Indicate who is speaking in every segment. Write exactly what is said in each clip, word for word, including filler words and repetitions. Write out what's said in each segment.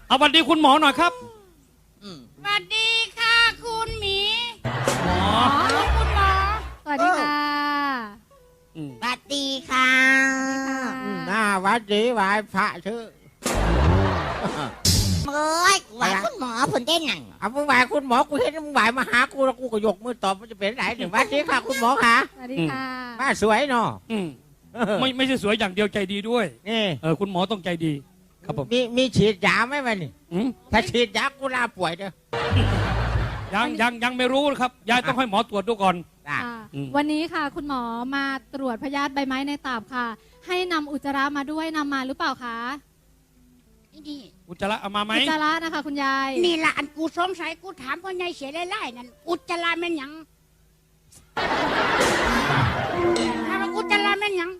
Speaker 1: เอาสวัสดีคุณหมอหน่อยครับ
Speaker 2: สวัสดีค่ะคุณหมี
Speaker 1: หมอ
Speaker 2: คุณหมอ
Speaker 3: สวัสดีค่ะ
Speaker 2: สวัสดีค่ะ
Speaker 4: หน้าวัดดีไหวพระชื่อ
Speaker 2: เอ้ยไหวคุณหมอผลได้หนัง
Speaker 4: เอามึงไหวคุณหมอกูเห็นมึงไหวมาหากูแล้วกูก็ยกมือตอบมันจะเป็นไหนหนึ่งวัดดีค่ะคุณหมอค่ะ
Speaker 3: สวัสดีค่ะ
Speaker 4: ป้าสวยเนาะ
Speaker 1: ไม่ไม่ใช่สวยอย่างเดียวใจดีด้วย
Speaker 4: นี่
Speaker 1: เออคุณหมอต้องใจดีครับผม
Speaker 4: มีมีฉีดยาไหมวะนี่ถ้าฉีดยากูลาป่วยเด้อ
Speaker 1: ยังยังยังไม่รู้ครับยายต้องให้หมอตรวจดูก่อน
Speaker 3: วันนี้ค่ะคุณหมอมาตรวจพยาธิใบไม้ในตับค่ะให้นำอุจจาระมาด้วยนำมาหรือเปล่าคะ
Speaker 2: นี่
Speaker 1: อุจจาระเอามาไหม
Speaker 3: อุจจาระนะคะคุณยาย
Speaker 2: นี่ละอันกูสงสัยกูถามพ่อใหญ่เสียไล่ๆนั่นอุจจาระแม่นยังถามว่าอุจจาระแม่นยัง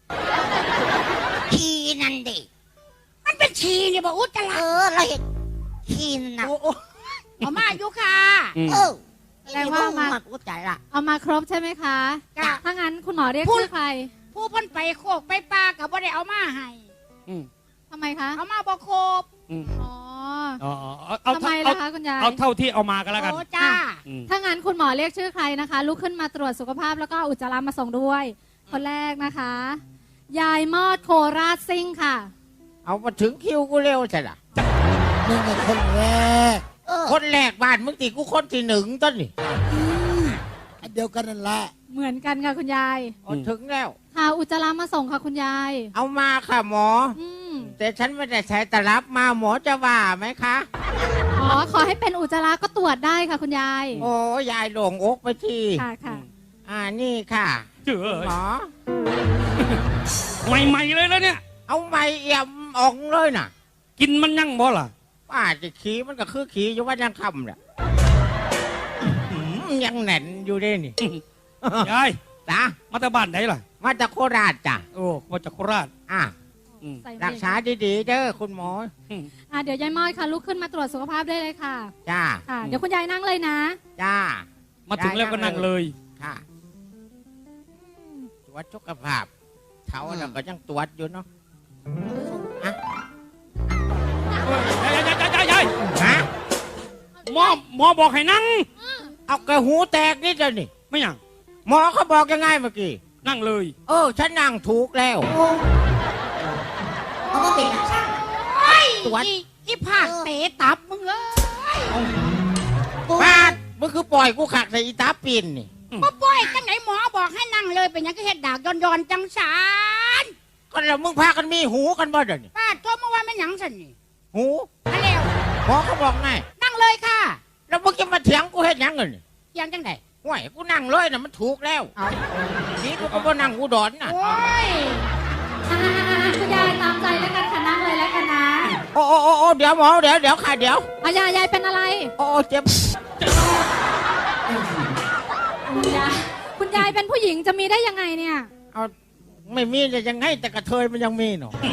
Speaker 2: ชีนั่นดิมันเป็นชีนี่บอกอุจจาระเออเราเห็นชีนั่นเอามาอยู่ค่ะเออ
Speaker 3: แสดงว่ามา
Speaker 2: อุจจาระ
Speaker 3: เอามาครบใช่ไหมคะถ้างั้นคุณหมอเรียกชื่อใคร
Speaker 2: ผู้พ้นไปโคกไปปลากับว่าได้เอามาให้
Speaker 3: ทำไมคะ
Speaker 2: เอามาบอกโคบ
Speaker 3: อ๋อทำไมล่ะคะคุณยาย
Speaker 1: เอาเท่าที่เอามากันแล้วกัน
Speaker 2: โอ้จ้า
Speaker 3: ถ้างั้นคุณหมอเรียกชื่อใครนะคะลุกขึ้นมาตรวจสุขภาพแล้วก็อุจจาระมาส่งด้วยคนแรกนะคะยายมอดโคราชซิ่งค่ะ
Speaker 4: เอามาถึงคิวกูเร็วใช่หรอ
Speaker 5: นี่ไงคนแรก
Speaker 4: คนแรกบ้านมึงตีกูคนที่หนึ่งต้นนี่
Speaker 5: อันเดียวกันนั่นแหละ
Speaker 3: เหมือนกันค่ะคุณยาย
Speaker 4: ถึงแล้ว
Speaker 3: ค่ะอุจจาระมาส่งค่ะคุณยาย
Speaker 4: เอามาค่ะหมอแต่ฉันไม่ได้ใช้ตลับมาหมอจะว่าไหมคะ
Speaker 3: อ๋อขอให้เป็นอุจจาระก็ตรวจได้ค่ะคุณยาย
Speaker 4: โอ้ยายหลงอกไปที
Speaker 3: ค่ะค่ะ
Speaker 4: อ่านี่ค่ะหมอ
Speaker 1: ใหม่ๆเลยแล้วเนี่ย
Speaker 4: เอาใหม่เอี่ยมออกเลยน่ะ
Speaker 1: กินมันยั่งบ่ล่ะ
Speaker 4: ป้าจะขี้มันก็คือขี้อยู่ว่ายังคำเนี่ยยังแน่นอยู่ด้นี่
Speaker 1: ยาย
Speaker 4: จ้า
Speaker 1: มาจากบ้านไหนล่ะ
Speaker 4: มาจากโคราชจ้ะ
Speaker 1: โอ้มาจากโคราช
Speaker 4: อ่ะรักษาดีๆเด้อคุณหมอ
Speaker 3: อ่าเดี๋ยวยายมอดค่ะลุกขึ้นมาตรวจสุขภาพได้เลยค่ะ
Speaker 4: จ้า
Speaker 3: ค่ะเดี๋ยวคุณยายนั่งเลยนะ
Speaker 4: จ้า
Speaker 1: มาถึงแล้วก็นั่งเลย
Speaker 4: ค่ะตรวจสุขภาพเท้าเราก็ยังตรวจอยู่เนาะฮะ
Speaker 1: ยายยายยายยาย
Speaker 4: ฮะ
Speaker 1: หมอหมอบอกให้นั่ง
Speaker 4: เอากระหูแตกนิดเดียวนี่
Speaker 1: ไม่ยัง
Speaker 4: หมอเขาบอกยังไงเมื่อกี้
Speaker 1: นั่งเลย
Speaker 4: เออฉันนั่งถูกแล้ว
Speaker 2: เขาก็เป็นตรวจอีผากเตะตับมึงเอ้ย
Speaker 4: ปาดมึงคือปล่อยกูขักใส่อีตาปีนนี่
Speaker 2: ก็ปล่อยจังไหนหมอบอกให้นั่งเลยเป็นยังก็เห็ดดากย้อนๆจังสาร
Speaker 4: ก็แล้วมึงพากันมีหูกันบ่เดี๋ยวนี้
Speaker 2: ป้าโทษเมื่อวานไม่หยังสันนี่
Speaker 4: หู
Speaker 2: นั่นแล้ว
Speaker 4: หมอเขาบอกไง
Speaker 2: นั่งเลยค่ะ
Speaker 4: แล้วมึงจะมาเถียงกูเห็ดยังเงิน
Speaker 2: เถียงจังไหน
Speaker 4: ห่วยกูนั่งเลยนะมันถูกแล้วนี่กูก็บ่นั่งกูดอนน่ะ
Speaker 2: โอ้ย
Speaker 3: คุณยายตามใจแล้วกันค่ะนั่งเลยแล้วกันนะ
Speaker 4: โอ้โอ้โอ้เดี๋ยวหมอเดี๋ยวเดี๋ยวค่ะเดี๋ยว
Speaker 3: อายายยายเป็นอะไร
Speaker 4: โอ้เจ็บ
Speaker 3: คุณยายคุณยายเป็นผู้หญิงจะมีได้ยังไงเนี่ย
Speaker 4: เอาไม่มีจะยังไงแต่กระเทยมันยังมีเนาะ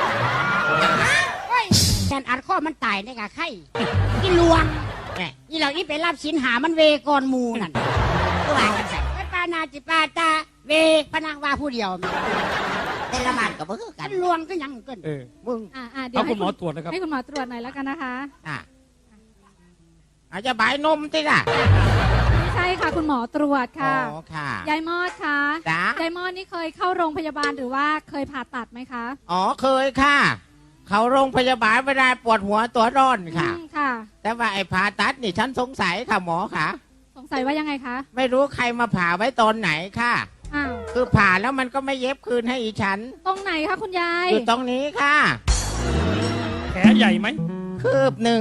Speaker 2: แทนอัดข้อมันตายได้กะไข่กินลวงนี่เรานี่ไปรับสินหามันเวกอนมูนั่นก็ว่ากันใส่ไปปานาจิปาตาเวพนักว่าผู้เดียวแต่ละบ้านก็บ่คือกันลวงก็ยังเกิน
Speaker 1: เออมึง
Speaker 3: อ่าเดี๋ยว
Speaker 1: ให้คุณหมอตรวจนะครับ
Speaker 3: ให้คุณหมอตรวจหน่อยแล้วกันนะคะ
Speaker 4: อ่าอาจจะบายนมติล่ะ
Speaker 3: ไม่ใช่ค่ะคุณหมอตรวจค่ะ
Speaker 4: อ๋อค่ะ
Speaker 3: ยายมอดค่ะ
Speaker 4: จ้าย
Speaker 3: ายมอดนี่เคยเข้าโรงพยาบาลหรือว่าเคยผ่าตัดไหมคะ
Speaker 4: อ๋อเคยค่ะเขาโรงพยาบาลเวลาปวดหัวตัวร้อนค่ะ
Speaker 3: ค่ะ
Speaker 4: แต่ว่าไอ้ผ่าตัดนี่ฉันสงสัยค่ะหมอค่ะ
Speaker 3: สงสัยว่ายังไงคะ
Speaker 4: ไม่รู้ใครมาผ่าไว้ตอนไหนค่ะ
Speaker 3: อ้าว
Speaker 4: คือผ่าแล้วมันก็ไม่เย็บคืนให้อีฉัน
Speaker 3: ตรงไหนคะคุณยาย
Speaker 4: อยู่ตรงนี้ค่ะ
Speaker 1: แผลใหญ่ไหม
Speaker 4: คืบหนึ่ง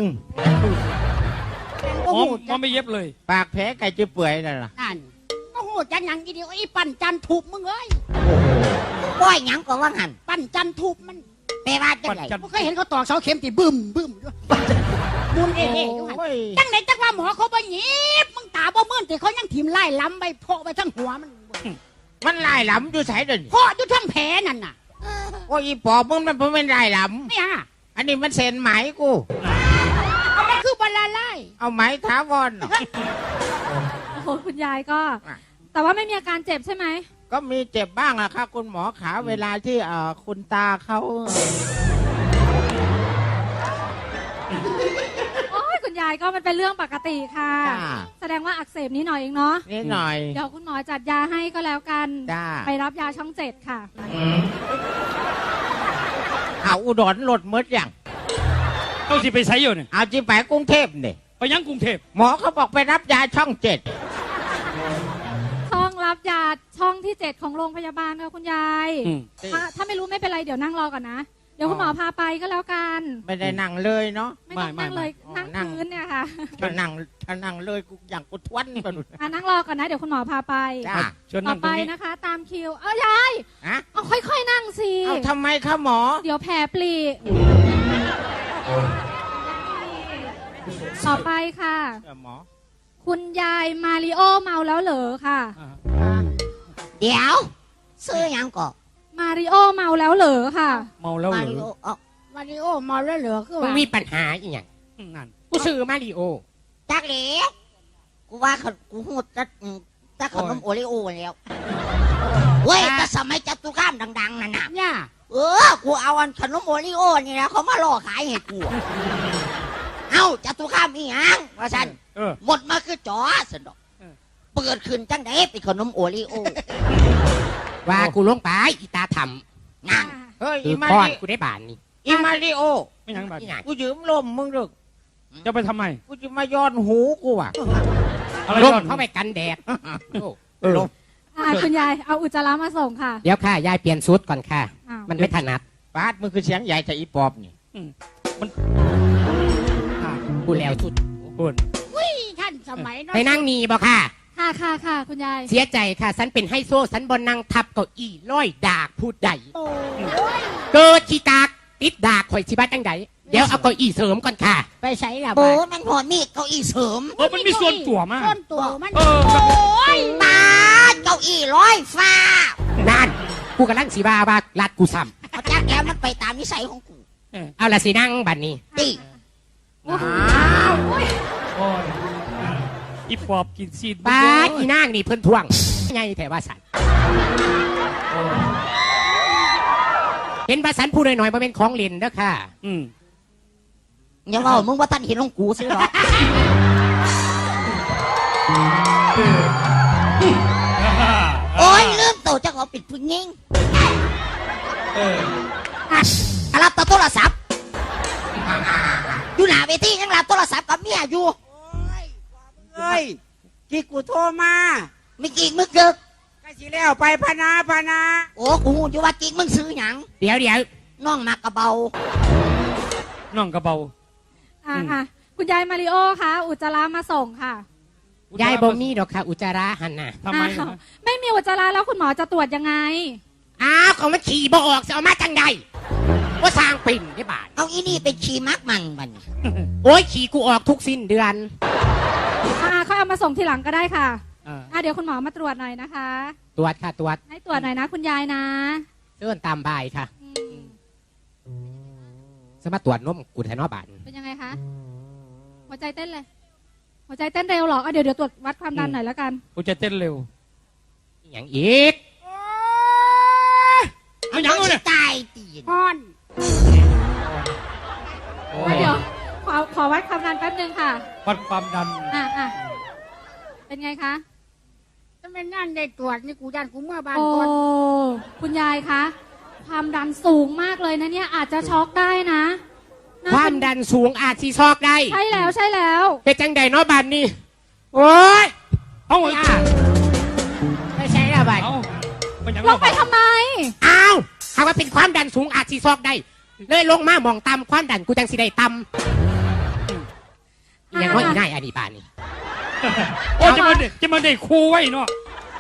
Speaker 1: หมอหมอไม่เย็บเลย
Speaker 4: ปากแผลไก่จะเปื่อยนั่นล่ะ
Speaker 2: นั่นโอ้โหจันยังอีเดียวไอ้ปั่นจันทุบมึงเอ้ยป้อยยังก็ว่าหันปั่นจันทุบมันแปลว่าจังไรผมเคยเห็นเขาตอกเสาเข็มตีบึ้มบึ้มด้วยมุนเอ๋ๆจังไหนจังว่าหมอเขาบ่หยิบมึงตาบ่มื่นแต่เขายังถิ่มไล่ล้ำไปโผล่ไปทั้งหัวมัน
Speaker 4: มันไล่ล้ำอยู่ใส่เดิน
Speaker 2: โผล่อยู่ทั้งแผลนั่นน่ะ
Speaker 4: โอ้ยปอบมึงมันเป็นไล่ล้ำ
Speaker 2: ไม่ฮะ
Speaker 4: อันนี้มันเซ็นไหมกู
Speaker 2: เอามันคือบอลไล่
Speaker 4: เอาไหมท้าวอน
Speaker 3: โอ้โหคุณยายก็แต่ว่าไม่มีอาการเจ็บใช่ไหม
Speaker 4: ก็มีเจ็บบ้างอะครับคุณหมอขาเวลาที่เอ่อคุณตาเขา
Speaker 3: โอ้ยคุณยายก็มันเป็นเรื่องปกติค่ะ
Speaker 4: จ้า
Speaker 3: แสดงว่าอักเสบนิดหน่อยเองเนาะ
Speaker 4: นิดหน่อย
Speaker 3: เดี๋ยวคุณหมอจัดยาให้ก็แล้วกัน
Speaker 4: จ้า
Speaker 3: ไปรับยาช่องเจ็ดค่ะ
Speaker 4: เอาอุดรหลดมดอย่าง
Speaker 1: ต้องสิไปใช้อยู่เนี่ย
Speaker 4: เอาจีไปกรุงเทพเนี่ย
Speaker 1: ไปยังกรุงเทพ
Speaker 4: หมอเขาบอกไปรับยาช่องเจ็ด
Speaker 3: ช่องรับยาช่องที่เจ็ดของโรงพยาบาลค่ะคุณยาย
Speaker 1: อืม
Speaker 3: ถ้าถ้าไม่รู้ไม่เป็นไรเดี๋ยวนั่งรอก่อนนะ เดี๋ยวคุณหมอพาไปก็แล้วกัน
Speaker 4: ไม่ได้นั่งเลยเนาะ
Speaker 3: ไม่ต้องนั่งเลย
Speaker 4: ไม่
Speaker 3: นั่ง
Speaker 4: ไม่
Speaker 3: พื้นเนี่ยค่ะ
Speaker 4: ถ้านั่งถ้านั่งเลยกูอย่างกูทวนไปหมด
Speaker 3: อ่ะนั่งรอก่อนนะ เดี๋ยวคุณหมอพาไป
Speaker 4: จ้า
Speaker 1: เชิญ
Speaker 3: ต่
Speaker 1: นั่
Speaker 3: อง
Speaker 1: ต
Speaker 3: ไป
Speaker 1: รงนี้
Speaker 3: นะคะ ตามคิว เอายาย
Speaker 4: ฮะ
Speaker 3: เอาค่อยๆนั่งสิ
Speaker 4: เอาทำไมคะหมอ
Speaker 3: เดี๋ยวแผลปลีต่อไปค่ะ
Speaker 4: เออหมอ
Speaker 3: คุณยายมาริโอเมาแล้วเหรอค่ะ
Speaker 1: อ่า
Speaker 2: เดี๋ยวซื้อหยังก่อน
Speaker 3: มาริโอเมาแล้วเหรอค่ะ
Speaker 1: เมาแล้วเห
Speaker 2: มา
Speaker 1: รื
Speaker 2: ริโอ
Speaker 1: อ
Speaker 2: เอ้ามาริโอมาแล้วเหรอคือ
Speaker 4: มึง
Speaker 2: ว่า
Speaker 4: มีปัญหาอีหยัง
Speaker 1: อืมนั่น
Speaker 4: กูซื้อมาริโอ
Speaker 2: จักเหลวกูว่าเขากูหูจักอืมจักขนมโอริโอแล้วเว้ยแต่สมัยจตุคามดังๆนั่นน่ะ
Speaker 4: เนี่ย
Speaker 2: เออ กูเอาอันขนมโอริโอนี่นะเขามาล่อขายให้กู เอ้าจตุคามอีหยังว่าฉัน
Speaker 1: เออ
Speaker 2: หมดมาคือจอสนดอก
Speaker 1: เออ
Speaker 2: เปิดขึ้นจังไดเป็นขนมโอริโอ
Speaker 4: ว่ากูลงไปอีตาท
Speaker 2: นั่น
Speaker 4: ำเฮ้ย
Speaker 6: คื
Speaker 4: อี
Speaker 6: อ
Speaker 4: มา
Speaker 6: ก้อน
Speaker 4: ริ
Speaker 6: กูได้บานนี่
Speaker 4: อีมาริโอ
Speaker 1: ไม่ยังบัด
Speaker 6: นี่ไง
Speaker 4: กูยืมลมมึงดึก
Speaker 1: จะไปทำไม
Speaker 4: กูจะมาย้อนหูกูอ่ะ
Speaker 1: อะไร
Speaker 6: ล
Speaker 1: ก่
Speaker 6: ม
Speaker 1: อน
Speaker 6: เข้าไปกันแดดโอ้
Speaker 1: เออ
Speaker 6: ลม
Speaker 3: อ่ะคุณยายเอาอุจจาระมาส่งค่ะ
Speaker 6: เดี๋ยวค่ะ ยายเปลี่ยนชุดก่อนค่ะ
Speaker 3: อ้าว
Speaker 6: มันไม่ถนัด
Speaker 4: ปาดมึงคือเสียงใหญ่แต่อีปอบนี่
Speaker 6: กูแล้วชุด
Speaker 1: คุณ
Speaker 2: ท่านสมัยนั้น
Speaker 6: ไปนั่งนี่บ่ค่ะ
Speaker 3: ค่ะค่ะค่ะคุณยาย
Speaker 6: เสียใจค่ะ ฉันเป็นไฮโซฉันบนนั่งทับเก้าอี้ร้อยดากพูดใด
Speaker 2: โอ้ย
Speaker 6: เกิดขี้กากติดดากข่อยชิบ้าจังใดเดี๋ยวเอาเก้าอี้เสริมก่อนค่ะ
Speaker 4: ไปใช้ละ
Speaker 2: โอ้
Speaker 4: บาด
Speaker 2: มันพอมีเก้าอี้เสริม
Speaker 1: เออมันมีส่วนตัวมาก
Speaker 2: ส่วนตัวมัน
Speaker 1: เออ
Speaker 2: โอ้ยตาเก้าอี้ร้อยฟ้า
Speaker 6: นั่นกูกำลังสีบาว่าลัดกูซ้
Speaker 2: เอาจักแล้วมันไปตามนิสัยของกู
Speaker 6: ำเอาละสินั่งบัดนี้
Speaker 2: ตี
Speaker 3: โอ้โห
Speaker 1: โอ้ยอีปอบกินซีด
Speaker 6: ป้าดอีนางนี่เพิ่นทวงไงแต่ว่าสันเห็นว่าสันพูดหน่อยๆมาเป็นของเล่นเด้อค่ะ
Speaker 1: อืม
Speaker 2: อย่าเล่ามึงว่าท่านเห็นของกูสิหรอโอ้ยลืมตัวจะขอปิดพึ่งยิง
Speaker 1: เออ
Speaker 2: อ่ะรับโทรศัพท์อยู่หน้าเวทียังรับโทรศัพท์กับเมียอยู่
Speaker 4: เฮ้ยที่กูโทรมา
Speaker 2: ไม่กี่มึงเกิก
Speaker 4: ก็สิแล้วไปพนาพนา
Speaker 2: โอ้กูหูอยู่ว่ากิ่งมึงซื้อหยัง
Speaker 6: เดี๋ยวเดี๋ยว
Speaker 2: น้องมากระเบา
Speaker 1: น้องกระเบา
Speaker 3: อ่ะอ่ะคุณยายมาริโอคะอุจจาระมาส่งค่ะ
Speaker 6: ยายบ่มีดอกค่ะ อุจจาระหันน่ะ
Speaker 1: ทำไม
Speaker 3: อ้าว
Speaker 1: นะ
Speaker 3: ไม่มีอุจจาระแล้วคุณหมอจะตรวจยังไง
Speaker 6: อ้าวของมันขี่บ่ออกจะเอามาจังใดว่าสร้างปิ่นได้บาท
Speaker 2: เอาอีนี่เป็นชีมักมันมัน
Speaker 6: โอ้ยขี่กูออกทุกสิ้นเดือน
Speaker 3: อ่าเขาเอามาส่งทีหลังก็ได้ค่ะ
Speaker 1: อ่า
Speaker 3: อ่ะเดี๋ยวคุณหมอมาตรวจหน่อยนะคะ
Speaker 6: ตรวจค่ะตรวจ
Speaker 3: ให้ตรวจหน่อยนะคุณยายนะ
Speaker 6: เลื่อนตามบ่ายค่ะ
Speaker 3: อืม
Speaker 6: สมาตรวจนมกูแทนอบาน
Speaker 3: เป็นยังไงคะหัวใจเต้นเลย หัวใจเต้นเร็วเหรออ่ะเดี๋ยวเดี๋ยวตรวจวัดความดันหน่อยแล้วกัน
Speaker 1: กูจะเต้นเร็ว
Speaker 6: อหย่างอีก
Speaker 1: เอาหยังเอาเนี่ย
Speaker 2: ตายตีน
Speaker 3: อ่อน
Speaker 1: โอ้
Speaker 3: อ่ะเดี๋ยวขอขอวัดความดันแป๊บนึงค่ะ
Speaker 1: วัดความดัน
Speaker 3: อ่ะอ่ะเป็นไงคะ
Speaker 2: ถ้าไม่นั่นได้ตรวจนี่กูยันกูเมื่อบ้าน
Speaker 3: โอ้
Speaker 2: ก่อน
Speaker 3: คุณยายคะ ความดันสูงมากเลยนะเนี่ยอาจจะช็อกได้นะน่
Speaker 6: ความ
Speaker 3: เป็น
Speaker 6: ดันสูงอาจสีซอกได้
Speaker 3: ใช่แล้วใช่แล้ว
Speaker 6: เป็นจังใดเนาะบานนี่โอ้ย
Speaker 1: เอาไอ้
Speaker 6: ย่าไม่ใช่ละบาน
Speaker 1: เอาไปหยัง
Speaker 3: ลงไปทำไม
Speaker 6: อ้าวหากว่าเป็นความดันสูงอาจสีซอกได้ เลยลงมาหมองต่ำความดันกูจังสีได้ต่ำอหย่างว่าอีง่ายอันนี้บานนี่
Speaker 1: โอ้จะมาเด็กจะมาเด็กครูไว้เนาะ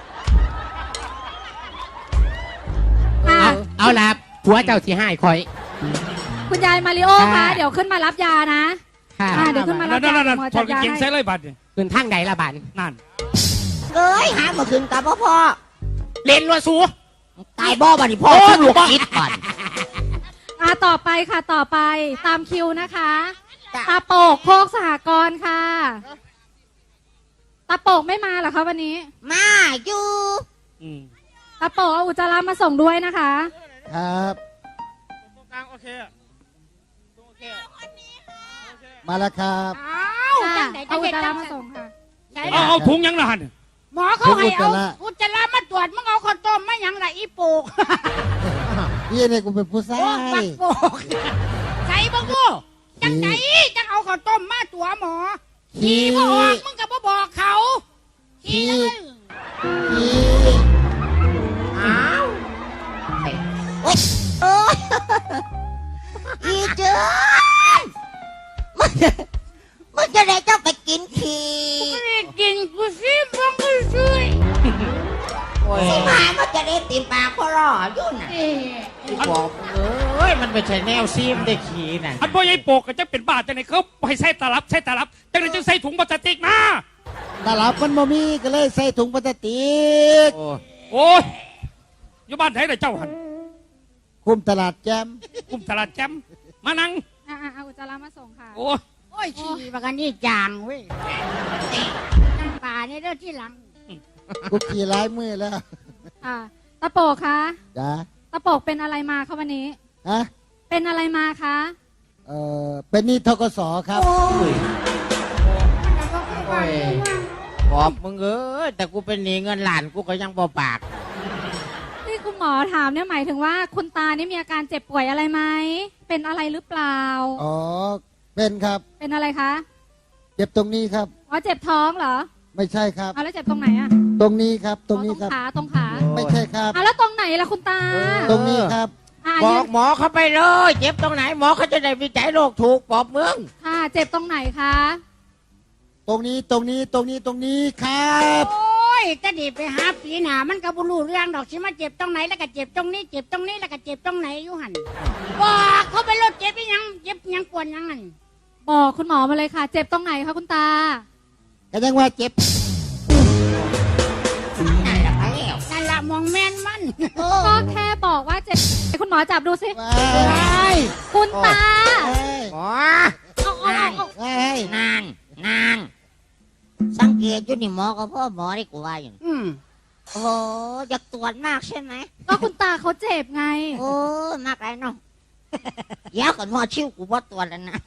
Speaker 3: อ่ะ
Speaker 6: เอาเอาละผัวเจ้าที่ให้คอย
Speaker 3: คุณยายมาริโอคะ
Speaker 6: ค่ะ
Speaker 3: เดี๋ยวขึ้นมารับยานะ
Speaker 6: ค่ะ
Speaker 3: อ่ะเดี๋ยวขึ้นมารับ
Speaker 1: นั่น
Speaker 3: ยา
Speaker 1: นั่นนั่น
Speaker 3: หมอ
Speaker 1: ถอ
Speaker 3: จั
Speaker 1: ด
Speaker 3: ด
Speaker 1: กาง
Speaker 3: ยา
Speaker 1: เกง
Speaker 3: ให้
Speaker 1: ใส่เลยบัตรเนี่ย
Speaker 6: คืนทางใดละบาน
Speaker 1: นั่น
Speaker 2: เอ้ยหาเมื่อคืนกับพ่อพ่อ
Speaker 6: เล่นรัวสู
Speaker 2: ตายบ่บัดนี้พ่อทุกลูกคิดก่อน
Speaker 3: อ่ะต่อไปค่ะต่อไปตามคิวนะคะ
Speaker 2: จ้ะ
Speaker 3: ตาโปกโคกสหกรณ์ค่ะ ตาโปกไม่มาเหรอคะวันนี้
Speaker 2: มาอยู่
Speaker 1: อืม
Speaker 3: ตาโปกเอาอุจจาระมาส่งด้วยนะคะ
Speaker 5: ครับ
Speaker 4: ตรงกลางโอเคอะโอเคโอเค
Speaker 5: มาแล้วครับ
Speaker 2: อ้าว
Speaker 3: ค่ะ
Speaker 2: จังไหน
Speaker 3: เอา
Speaker 2: จะ
Speaker 3: อุ
Speaker 2: เห็
Speaker 3: จ
Speaker 2: น
Speaker 3: จา
Speaker 2: จั
Speaker 3: ระ
Speaker 2: ง
Speaker 3: มา
Speaker 2: ซั่น
Speaker 3: ส่งค่ะ
Speaker 2: ใช่
Speaker 1: เอา
Speaker 2: ล่ะ
Speaker 1: เอาถุงยังละหัน
Speaker 2: หมอเขาให้เอาอุจจาระมาตรวจมึงเอาข้าวต้มมาหยังล่ะอีโปก
Speaker 5: พี่เนี่ยกูเป็นผู้ชา
Speaker 2: โอ้ปั
Speaker 5: ย
Speaker 2: กโปกใส่บังกูจังไหนจังเอาข้าวต้มมาตัวหมอขี่บ่ออกมึงก็บ่บอกเขาขี่เลย
Speaker 5: พี่
Speaker 4: อ้าว
Speaker 7: โอ๊ยโอ๊ยอีเจ้ยมันจะมันจะได้เจ้าไปกินขี้
Speaker 2: ไม่ได้กินกูซิบังกูช่วย
Speaker 4: โอ้ย
Speaker 7: สิมามันจะได้ติมปากพอรออยู่น่ะ
Speaker 2: เอ๊ะ
Speaker 4: กูบอกมึงเอ้ยมันไม่ใช่แนวซีมได้ขี่น่ะ
Speaker 1: อันพ่อใหญ่โปกก็จะเป็นบ้าจังไหนเขาให้ใส่ตลับใส่ตลับจังไหนจะใส่ถุงพลาสติกมา
Speaker 5: ตลับมันบ่มีก็เลยใส่ถุงพลาสติก
Speaker 4: โอ้
Speaker 1: โอ้ยอยู่บ้านไหนล่ะเจ้าหัน
Speaker 5: คุมตลาดแจม
Speaker 1: กุมตลาดแจมมานั่ง
Speaker 3: อ่าเอาอุจจาระมาส่งค่ะ
Speaker 1: โอ้ย
Speaker 2: โอ้ยขี่บักอันนี้จางเว้ยน้ำปลาเนี่ยเด้อที่หลัง
Speaker 5: กูขี่ร้ายมือแล้ว
Speaker 3: อ่าตะโปกคะ
Speaker 5: จ้า
Speaker 3: ตะโปกเป็นอะไรมาคะวันนี้
Speaker 5: ฮะ
Speaker 3: เป็นอะไรมาคะ
Speaker 5: เออเป็นหนี่ทกสครับ
Speaker 4: โอ้ยบอกมึงเอ้ยแต่กูเป็นหนี้เงินหลานกูก็ยังบ่ปาก
Speaker 3: ที่คุณหมอถามเนี่ยหมายถึงว่าคุณตานี่มีอาการเจ็บป่วยอะไรไหมเป็นอะไรหรือเปล่า
Speaker 5: อ๋อเป็นครับ
Speaker 3: เป็นอะไรคะ
Speaker 5: เจ็บตรงนี้ครับ
Speaker 3: อ๋อเจ็บท้องเหรอ
Speaker 5: ไม่ใช่ครับ
Speaker 3: เอาแล้วเจ็บตรงไหนอะ
Speaker 5: ตรงนี้ครับ ตรงนี้
Speaker 3: อ๋อ
Speaker 5: ครับ
Speaker 3: ขาตรงขา
Speaker 5: ไม่ใช่ครับ
Speaker 3: เอาแล้วตรงไหนล่ะคุณตา
Speaker 5: ตรงนี้ครับ
Speaker 3: อ่ะ
Speaker 4: บ
Speaker 3: ยื
Speaker 4: อน กหมอเขาไปเลย เจ็บตรงไหนหมอเขาจะได้วิจัยโรคถูกบอกมึง
Speaker 3: ค่ะเจ็บตรงไหนคะ
Speaker 5: ตรงนี้ตรงนี้ตรงนี้ตรงนี้ครับ
Speaker 2: โอ้ยจะดีไปหาปีหนามันก็บ่รู้เรื่องดอกสิมาเจ็บตรงไหนแล้วก็เจ็บตรงนี้ เจ็บตรงนี้แล้วก็เจ็บตรงไหนอยู่หันบอกเขาไปรถเจ็บไปยังเจ็บยังปวดยังหัน
Speaker 3: บอกคุณหมอมาเลยค่ะ เจ็บตรงไหนคะคุณตา
Speaker 5: ก็ยังว่าเจ็บ
Speaker 7: นั่นแหละไปแล้ว
Speaker 2: นั่นละมองแม่นมัน
Speaker 3: ก็แค่บอกว่าเจ็บคุณหมอจับดูสิ
Speaker 5: ว้าย
Speaker 3: คุณตา
Speaker 5: ว้าย
Speaker 4: หมอ
Speaker 3: เอาเอาเอาเอา
Speaker 5: ว้าย
Speaker 7: นางนางสังเกตอยู่นี่หมอกับพ่อหมอได้กูว่าอยู่นี่
Speaker 2: อืม
Speaker 7: โอ้โหอยากตรวจมากใช่ไหม
Speaker 3: ก็คุณตาเขาเจ็บไง
Speaker 7: โอ้มากไรเนาะเดี๋ยวก่อนหมอชิวกูบ่ตรวจแล้วนะ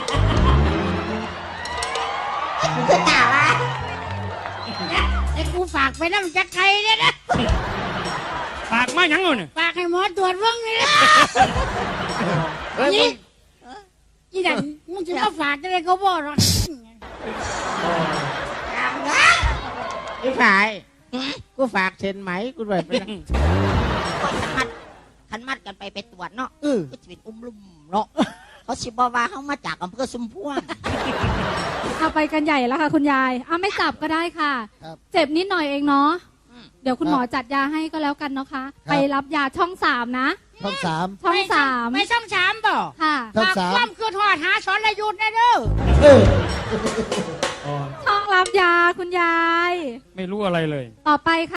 Speaker 7: กูจะตาว่า
Speaker 2: ไอ้กูฝากไปน้ำจักไก่เนี่ยนะ
Speaker 1: ปากมาหยังเอาเนี่ย
Speaker 2: ฝากให้หมอตรวจเบ้างนี่นะ
Speaker 4: เฮ้ยมึ
Speaker 2: นี่
Speaker 4: ง
Speaker 2: อีดันมึงจะมาฝากอะไรก็บอกหรอก
Speaker 4: ไอ้ฝ่ายกูฝากเซ็นไหมกูด้วยไปนะ
Speaker 7: ขันมัดขันมัดกันไปไปตรวจเนาะ
Speaker 5: เออ
Speaker 7: ก็จะเป็นอุ้มลุ่มเนาะเขาสิบอกว่าเขามาจากอำเภอสุมพวง
Speaker 3: เอาไปกันใหญ่แล้วค่ะ คุณยายเอาไม่จับก็ได้ค่ะ
Speaker 5: ครับ
Speaker 3: เจ็บนิดหน่อยเองเนาะ
Speaker 7: อืม
Speaker 3: เดี๋ยวคุณหมอจัดยาให้ก็แล้วกันเนาะคะ ไปรับยาช่องสามนะ
Speaker 5: ช่องสาม
Speaker 3: ช่องสาม
Speaker 2: ไม่ช่องสามบ่
Speaker 3: ค่ะ
Speaker 5: ช่อง
Speaker 2: ฝาก
Speaker 5: สาม
Speaker 2: ความคือทอดหาสอนระยุทธ์นะเด้อ
Speaker 5: เออ
Speaker 3: ช่องรับยาคุณยาย
Speaker 1: ไม่รู้อะไรเลย
Speaker 3: ต่อไปค่ะ